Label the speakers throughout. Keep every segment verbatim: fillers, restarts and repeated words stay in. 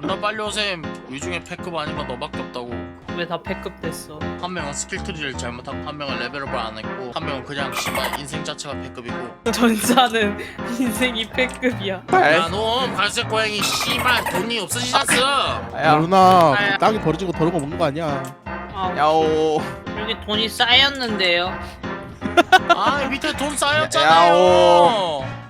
Speaker 1: 존나 빨리 오셈. 이 중에 패급 아닌 건 너밖에 없다고.
Speaker 2: 왜 다 패급 됐어?
Speaker 1: 한 명은 스킬 트리를 잘못하고 한 명은 레벨업을 안 했고 한 명은 그냥 씨발 인생 자체가 패급이고.
Speaker 2: 전사는 인생이 패급이야.
Speaker 1: 야놈 갈색 고양이 씨발 돈이 없어지셨어.
Speaker 3: 야
Speaker 4: 누나
Speaker 2: 아야.
Speaker 4: 땅에 버려지고 더러운 거 먹는 거 아니야.
Speaker 2: 아,
Speaker 3: 야오
Speaker 2: 여기 돈이 쌓였는데요.
Speaker 1: 아 밑에 돈 쌓였잖아요.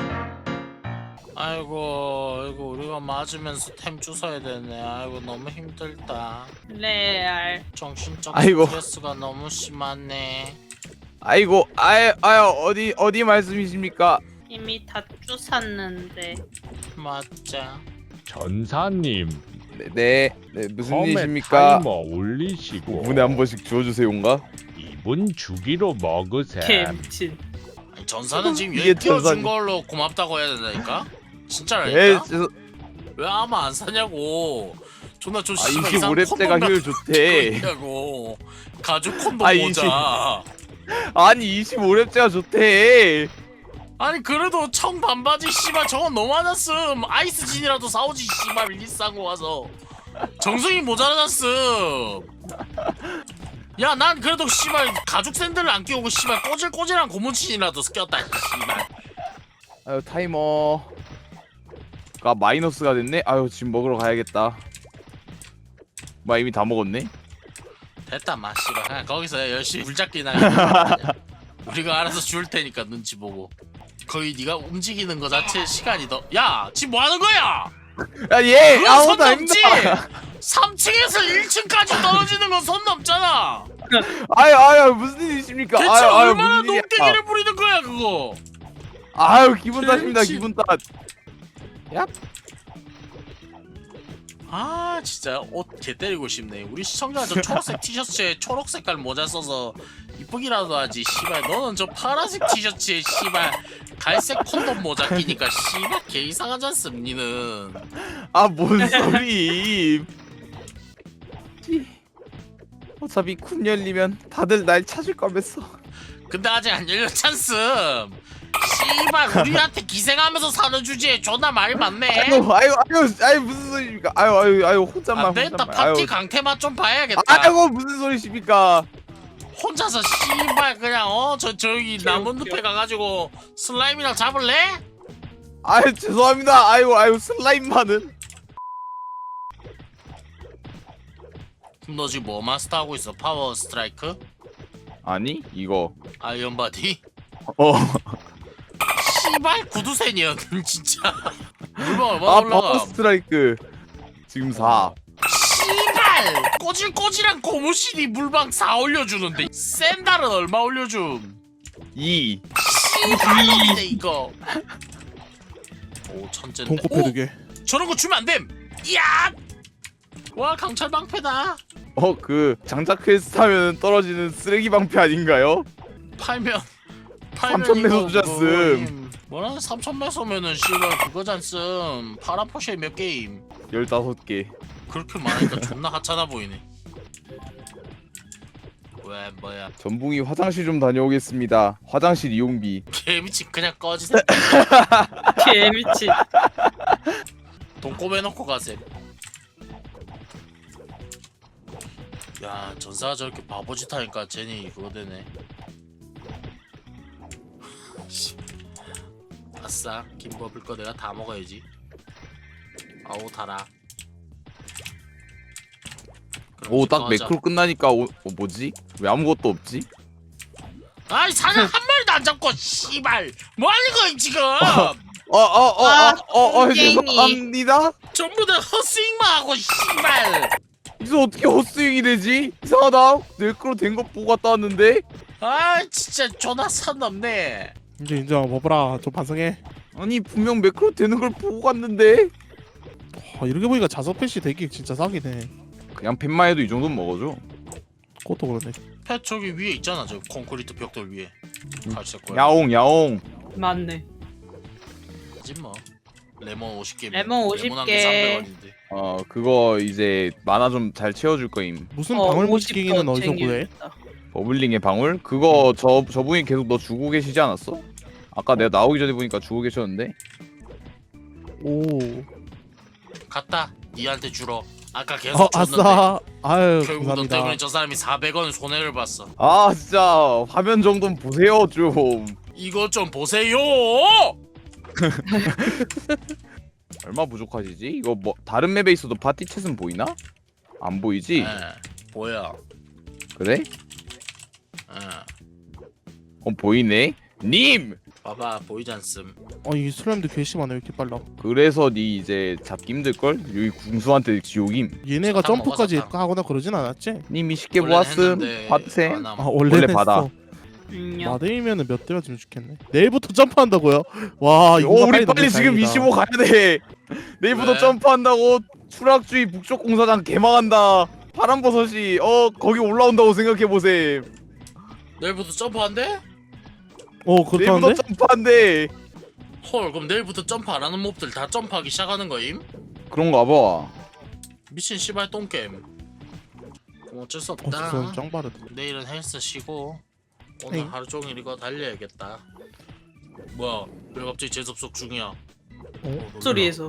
Speaker 1: 아이고 아이고 우리가 맞으면서 템 주워야 되네. 아이고 너무 힘들다.
Speaker 2: 레알.
Speaker 1: 정신적
Speaker 3: 아이고.
Speaker 1: 스트레스가 너무 심하네.
Speaker 3: 아이고 아유 아유 어디 어디 말씀이십니까?
Speaker 2: 이미 다 주웠는데.
Speaker 1: 맞자.
Speaker 5: 전사님
Speaker 3: 네, 네, 네 무슨
Speaker 5: 컴에
Speaker 3: 일이십니까?
Speaker 5: 타이머 올리시고
Speaker 3: 오 분에 한 번씩 주워주세요인가?
Speaker 5: 이분 주기로 먹으셈.
Speaker 2: 개미친.
Speaker 1: 아니, 전사는 지금
Speaker 3: 이게
Speaker 1: 여기 띄워준
Speaker 3: 전사니.
Speaker 1: 걸로 고맙다고 해야 된다니까?
Speaker 3: 네,
Speaker 1: 진짜라니까?
Speaker 3: 죄송.
Speaker 1: 왜 아마 안 사냐고. 존나 좀
Speaker 3: 아
Speaker 1: 씨발 이상한
Speaker 3: 이십오 렙째가
Speaker 1: 콘돔
Speaker 3: 효율 좋대.
Speaker 1: 있냐고. 가죽 콘돔
Speaker 3: 아,
Speaker 1: 모자.
Speaker 3: 아니 이십오 렙째가 좋대.
Speaker 1: 아니 그래도 청 반바지 씨발 저건 너무 많았음. 아이스진이라도 사오지 씨발 일리싼 거 와서. 정성이 모자라졌음. 야 난 그래도 씨발 가죽 샌들을 안 끼우고 씨발 꼬질꼬질한 고무신이라도 꼈다 씨발.
Speaker 3: 아유 타이머가 마이너스가 됐네. 아유 지금 먹으러 가야겠다. 마 이미 다 먹었네.
Speaker 1: 됐다 마 씨발 그냥 거기서 열심히 물잡기나 해. 우리가 알아서 줄 테니까 눈치 보고. 거의 네가 움직이는 거 자체 시간이 더. 야 지금 뭐 하는 거야?
Speaker 3: 야얘
Speaker 1: 그건
Speaker 3: 아무도
Speaker 1: 손
Speaker 3: 안
Speaker 1: 넘지.
Speaker 3: 힘들어.
Speaker 1: 삼 층에서 일 층까지 떨어지는 건 손 넘잖아.
Speaker 3: 아유 아유 무슨 일이십니까?
Speaker 1: 대체
Speaker 3: 아유 아유
Speaker 1: 얼마나
Speaker 3: 무슨 일이야.
Speaker 1: 농땡이를 부리는 거야 그거.
Speaker 3: 아유 기분 탓입니다
Speaker 1: 그렇지.
Speaker 3: 기분 탓.
Speaker 1: 아 진짜 옷 개 때리고 싶네. 우리 시청자 저 초록색 티셔츠에 초록 색깔 모자 써서 이쁘기라도 하지. 씨발 너는 저 파란색 티셔츠에 씨발 갈색 콘돔 모자 끼니까 씨발 개 이상하지 않습 니는.
Speaker 3: 아 뭔 소리? 어차피 쿤 열리면 다들 날 찾을 거면서.
Speaker 1: 근데 아직 안 열렸잖음. 씨발 우리한테 기생하면서 사는 주제에 존나 말이 많네.
Speaker 3: 아유 아유 아유 아유 무슨 소리십니까? 아유 아유 아유 혼잣말
Speaker 1: 안 되겠다.
Speaker 3: 혼잣말.
Speaker 1: 파티
Speaker 3: 아유.
Speaker 1: 강태만 좀 봐야겠다.
Speaker 3: 아이고 무슨 소리십니까?
Speaker 1: 혼자서 씨발 그냥 어 저 저기
Speaker 2: 웃겨,
Speaker 1: 나무
Speaker 2: 웃겨.
Speaker 1: 늪에 가가지고 슬라임이랑 잡을래?
Speaker 3: 아유 죄송합니다. 아유 아유 슬라임만은.
Speaker 1: 그럼 너 지금 뭐 마스터하고 있어? 파워 스트라이크?
Speaker 3: 아니 이거
Speaker 1: 아이언 바디?
Speaker 3: 어.
Speaker 1: 씨발 구두쇠니야 진짜. 물방 얼마
Speaker 3: 아
Speaker 1: 올라가?
Speaker 3: 파워 스트라이크 지금 사.
Speaker 1: 씨발 꼬질꼬질한 고무신이 물방 사 올려주는데 샌달은 얼마 올려줌?
Speaker 3: 이.
Speaker 1: 씨발인데 이거. 오 천재인데.
Speaker 4: 돈코
Speaker 1: 오
Speaker 4: 패드게.
Speaker 1: 저런 거 주면 안 됨. 이야. 와 강철 방패다.
Speaker 3: 어 그 장작 퀘스트 하면 떨어지는 쓰레기 방패 아닌가요?
Speaker 1: 팔면 팔면
Speaker 3: 삼천 매소
Speaker 1: 이거
Speaker 3: 주잖음.
Speaker 1: 뭐, 뭐라 삼천 매소면은 씨발 그거잖음. 파라포쉐 몇 게임.
Speaker 3: 열다섯 개.
Speaker 1: 그렇게 많으니까 존나 하찮아 보이네. 왜 뭐야?
Speaker 3: 전붕이 화장실 좀 다녀오겠습니다. 화장실 이용비.
Speaker 1: 개미친 그냥 꺼지세요.
Speaker 2: 개미친.
Speaker 1: 돈 꼬매놓고 가셈. 야 전사가 저렇게 바보짓 하니까 제니 그거 되네. 아싸 김버블 거 내가 다 먹어야지. 아우 달아. 그럼
Speaker 3: 오 딱
Speaker 1: 집중하자.
Speaker 3: 매크로 끝나니까 오, 어, 뭐지? 왜 아무것도 없지?
Speaker 1: 아이 사냥 한 마리도 안 잡고 씨발 뭐 하는 거야 지금?
Speaker 3: 어어어어어어
Speaker 2: 아,
Speaker 3: 어, 어,
Speaker 2: 땡이.
Speaker 3: 죄송합니다.
Speaker 1: 전부 다 헛스윙만 하고 씨발.
Speaker 3: 이거 어떻게 헛스윙이 되지? 이상하다. 매크로 된 거 보고 갔다 왔는데.
Speaker 1: 아 진짜 존나 선 넘네.
Speaker 4: 이제 인정 먹어라. 좀 반성해.
Speaker 3: 아니 분명 매크로 되는 걸 보고 갔는데.
Speaker 4: 아, 이렇게 보니까 자석 패시 되게 진짜 싸기네.
Speaker 3: 그냥 펜만 해도 이 정도는 먹어줘.
Speaker 4: 그것도 그러네.
Speaker 1: 펫 저기 위에 있잖아 저 콘크리트 벽돌 위에. 갈색 거야.
Speaker 3: 야옹 야옹.
Speaker 2: 맞네.
Speaker 1: 하지 뭐. 레몬 오십 개.
Speaker 2: 레몬 오십
Speaker 1: 레몬
Speaker 2: 개.
Speaker 1: 삼백 원인데.
Speaker 3: 어 그거 이제 만화 좀 잘 채워줄 거임.
Speaker 4: 무슨
Speaker 2: 어,
Speaker 4: 방울
Speaker 2: 오십
Speaker 4: 무지개기는
Speaker 2: 더
Speaker 4: 어디서 구해?
Speaker 2: 챙겨야겠다.
Speaker 3: 버블링의 방울? 그거 저 저분이 계속 너 주고 계시지 않았어? 아까 내가 나오기 전에 보니까 주고 계셨는데.
Speaker 4: 오.
Speaker 1: 갔다. 니한테 주러. 아까 계속
Speaker 4: 어
Speaker 1: 줬는데
Speaker 4: 아싸. 아유
Speaker 1: 결국 너 때문에
Speaker 4: 감사합니다.
Speaker 1: 저 사람이 사백 원 손해를 봤어.
Speaker 3: 아 진짜 화면 정도는 보세요 좀.
Speaker 1: 이것 좀 보세요.
Speaker 3: 얼마 부족하시지? 이거 뭐 다른 맵에 있어도 파티 챗은 보이나? 안 보이지?
Speaker 1: 네, 보여.
Speaker 3: 그래?
Speaker 1: 네.
Speaker 3: 어 보이네. 님!
Speaker 1: 봐봐 보이지 않음.
Speaker 4: 어이 슬라임도 괘씸하네 왜 이렇게 빨라.
Speaker 3: 그래서 니 이제 잡기 힘들걸? 여기 궁수한테 지옥임.
Speaker 4: 얘네가
Speaker 1: 사탕
Speaker 4: 점프까지
Speaker 1: 먹어, 사탕.
Speaker 4: 하거나 그러진 않았지?
Speaker 3: 님이 쉽게
Speaker 1: 원래는
Speaker 3: 보았음.
Speaker 1: 했는데
Speaker 3: 받으셈.
Speaker 1: 안 함.
Speaker 4: 아 원래
Speaker 3: 원래
Speaker 4: 했어.
Speaker 3: 받아.
Speaker 2: 음요.
Speaker 4: 마데이면은 몇 대가 좀 죽겠네. 내일부터 점프한다고요? 와 이거
Speaker 3: 오 우리 빨리 지금 이십오 가야 돼. 내일부터
Speaker 1: 왜?
Speaker 3: 점프한다고. 추락주의 북쪽 공사장 개망한다. 파란버섯이 어 거기 올라온다고 생각해 보셈.
Speaker 1: 내일부터 점프한대?
Speaker 4: 어
Speaker 3: 내일부터
Speaker 4: 그렇다는데?
Speaker 3: 점프한대.
Speaker 1: 헐 그럼 내일부터 점프 안 하는 몹들 다 점프하기 시작하는 거임?
Speaker 3: 그런가 봐.
Speaker 1: 미친 씨발 똥게임. 그럼 어쩔 수
Speaker 4: 어
Speaker 1: 없다.
Speaker 4: 진짜 짱 빠르다.
Speaker 1: 내일은 헬스 쉬고 오늘
Speaker 4: 에이.
Speaker 1: 하루 종일 이거 달려야겠다. 뭐야 왜 갑자기 재접속 중이야? 어, 놀래라.
Speaker 2: 소리에서.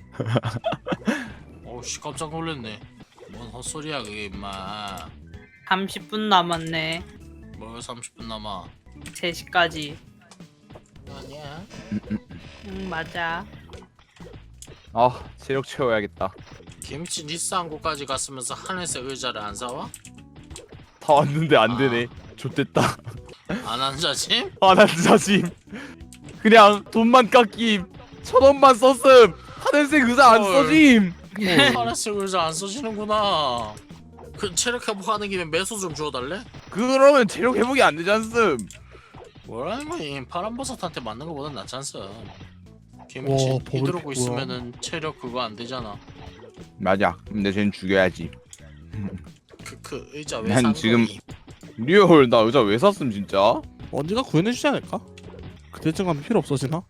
Speaker 1: 어우씨 깜짝 놀랐네. 뭔 헛소리야 그게 임마.
Speaker 2: 삼십 분 남았네.
Speaker 1: 뭘 삼십 분 남아.
Speaker 2: 세 시까지.
Speaker 1: 아니야.
Speaker 2: 응 맞아.
Speaker 3: 아 체력 채워야겠다.
Speaker 1: 김치 니스 항구까지 갔으면서 하늘색 의자를 안 사와?
Speaker 3: 다 왔는데 안 되네. 좆됐다.
Speaker 1: 안 앉아지?
Speaker 3: 아난 자심. 그냥 돈만 깎임. 천 원만 썼음. 하늘색 의자 안
Speaker 1: 헐.
Speaker 3: 써짐.
Speaker 1: 하늘색 의자 안 써지는구나. 그 체력 회복하는 김에 매수 좀 주워달래?
Speaker 3: 그러면 체력 회복이 안 되지 않음.
Speaker 1: 뭐라는 거임? 파란버섯한테 맞는 거보단 낫지 않음.
Speaker 4: 와,
Speaker 1: 김치
Speaker 4: 버블
Speaker 1: 휘두르고
Speaker 4: 픽
Speaker 1: 있으면은 체력 그거 안 되잖아.
Speaker 3: 맞아. 근데 쟤는 죽여야지.
Speaker 1: 크크 의자 왜
Speaker 3: 난
Speaker 1: 산
Speaker 3: 지금-
Speaker 1: 거임?
Speaker 3: 리얼 나 의자 왜 샀음 진짜?
Speaker 4: 언제가 구해내주지 않을까? 그때쯤 가면 필요 없어지나?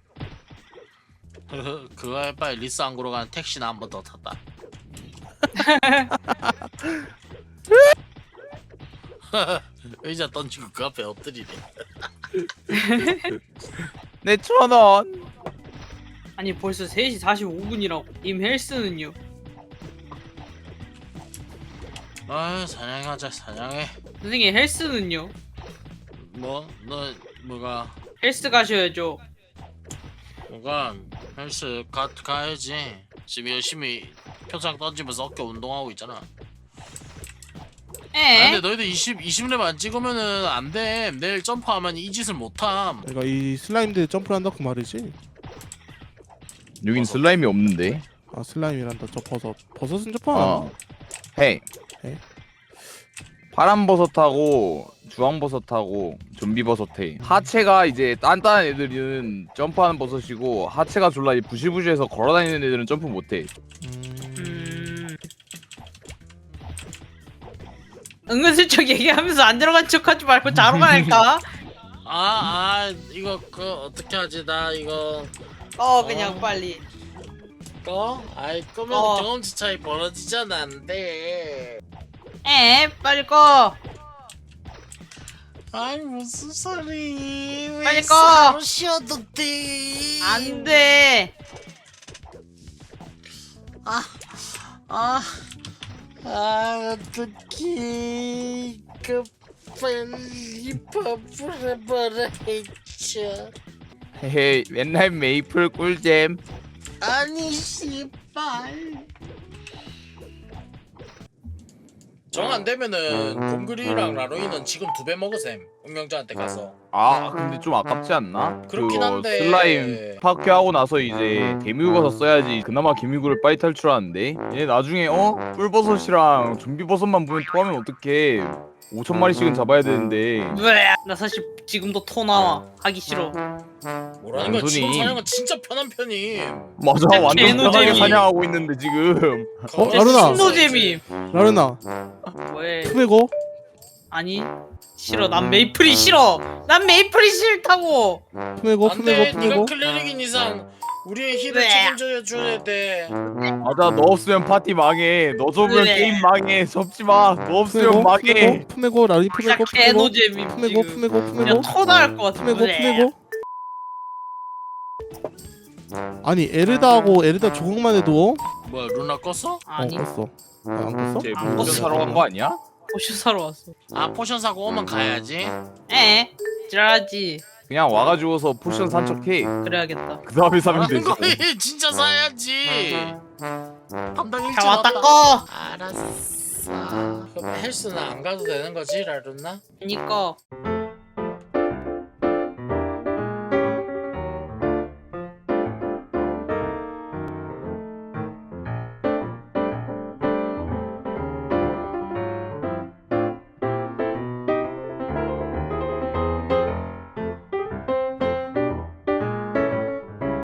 Speaker 1: 그거 할 바에 리스 항구로 가는 택시나 한 번 더 탔다. 의자 던지고 그 앞에 엎드리네.
Speaker 3: 내 천 원.
Speaker 2: 아니 벌써 세 시 사십오 분이라고. 임 헬스는요.
Speaker 1: 아 사냥하자 사냥해.
Speaker 2: 선생님 헬스는요.
Speaker 1: 뭐? 너 뭐가?
Speaker 2: 헬스 가셔야죠.
Speaker 1: 뭐가? 헬스 가, 가야지. 지금 열심히 표창 던지면서 어깨 운동하고 있잖아. 아,
Speaker 2: 에?
Speaker 1: 근데 너희들 이십, 이십 렙 안 찍으면은 안 돼. 내일 점프하면 이 짓을 못함.
Speaker 4: 내가 이 슬라임들 점프를 한다 그 말이지?
Speaker 3: 여긴
Speaker 1: 버섯.
Speaker 3: 슬라임이 없는데.
Speaker 4: 아 슬라임이란다 저 버섯. 버섯은 점프 안
Speaker 3: 어.
Speaker 4: 하나?
Speaker 3: 해.
Speaker 4: 해?
Speaker 3: 파란 버섯하고 주황 버섯하고 좀비 버섯 해. 하체가 이제 단단한 애들은 점프하는 버섯이고 하체가 졸라 부실부실해서 걸어다니는 애들은 점프 못해.
Speaker 4: 음...
Speaker 2: 음. 은근슬쩍 얘기하면서 안 들어간 척하지 말고 자러 가니까.
Speaker 1: 아, 아, 이거 그 어떻게 하지? 나 이거
Speaker 2: 어 그냥
Speaker 1: 어.
Speaker 2: 빨리.
Speaker 1: 꺼? 아이 끄면
Speaker 2: 어.
Speaker 1: 경험치 차이 벌어지잖아. 안 돼.
Speaker 2: 에 빨리 꺼.
Speaker 1: 아이 무슨 소리? 왜
Speaker 2: 빨리 꺼.
Speaker 1: 싸움 쉬어도 돼?
Speaker 2: 안 돼.
Speaker 1: 아, 아, 아, 어떡해. 그 빨리 밥을 해봐라 했죠.
Speaker 3: 헤헤 맨날 메이플 꿀잼.
Speaker 1: 아니 씨발. 정 안 되면은 곰그리랑 라로이는 지금 두 배 먹으셈. 운명자한테 가서.
Speaker 3: 아 근데 좀 아깝지 않나?
Speaker 1: 그렇긴
Speaker 3: 그거
Speaker 1: 한데.
Speaker 3: 슬라임 파괴하고 나서 이제 개미우거서 써야지 그나마 개미우를 빨리 탈출하는데 얘 나중에 어? 꿀버섯이랑 좀비버섯만 보면 토하면 어떡해. 오천 마리씩은 잡아야 되는데.
Speaker 2: 으악. 나 사실 지금도 토 나와. 하기 싫어.
Speaker 1: 뭐라는 거야? 지금
Speaker 3: 완전히.
Speaker 1: 사냥은 진짜 편한 편임.
Speaker 3: 맞아 완전
Speaker 2: 개노잼이.
Speaker 3: 편하게 사냥하고 있는데 지금.
Speaker 4: 어,
Speaker 1: 거기서
Speaker 4: 라루나.
Speaker 2: 신노잼이.
Speaker 4: 라르나
Speaker 2: 왜?
Speaker 4: 투베고?
Speaker 2: 아니 싫어. 난 메이플이 싫어. 난 메이플이 싫다고.
Speaker 4: 투메고
Speaker 1: 안돼.
Speaker 4: 투메고
Speaker 1: 네가
Speaker 4: 투메고?
Speaker 1: 클레릭인 이상 우리의 힐을
Speaker 2: 왜?
Speaker 1: 책임져 줘야 돼.
Speaker 3: 맞아 너 없으면 파티 망해. 너 접으면
Speaker 2: 그래.
Speaker 3: 게임 망해. 접지 마. 너 없으면
Speaker 4: 투메고?
Speaker 3: 망해.
Speaker 4: 투메고? 투메고 라리
Speaker 2: 진짜
Speaker 4: 투메고 투메고?
Speaker 2: 개노잼이
Speaker 4: 투메고
Speaker 2: 지금.
Speaker 4: 투메고 투메고?
Speaker 2: 그냥 토 나올 것 같아.
Speaker 4: 투메고 투메고? 아니 에르다하고 에르다 조각만 해도
Speaker 1: 뭐야 루나 껐어?
Speaker 2: 아니
Speaker 4: 어 껐어. 아, 안 껐어?
Speaker 3: 쟤
Speaker 2: 안
Speaker 3: 무전
Speaker 2: 껐어.
Speaker 3: 사러 간 거 아니야?
Speaker 2: 포슈 사러 왔어.
Speaker 1: 아 포션 사고 오면 가야지.
Speaker 2: 에? 지랄하지.
Speaker 3: 그냥 와가지고서 포션 산 척해.
Speaker 2: 그래야겠다.
Speaker 3: 그 다음에 사면
Speaker 1: 하는
Speaker 3: 되지.
Speaker 1: 거니 진짜 사야지. 담당 일진
Speaker 2: 잘 왔다
Speaker 1: 왔다.
Speaker 2: 꺼.
Speaker 1: 알았어. 그럼 헬스는 안 가도 되는 거지 라루나?
Speaker 2: 그니까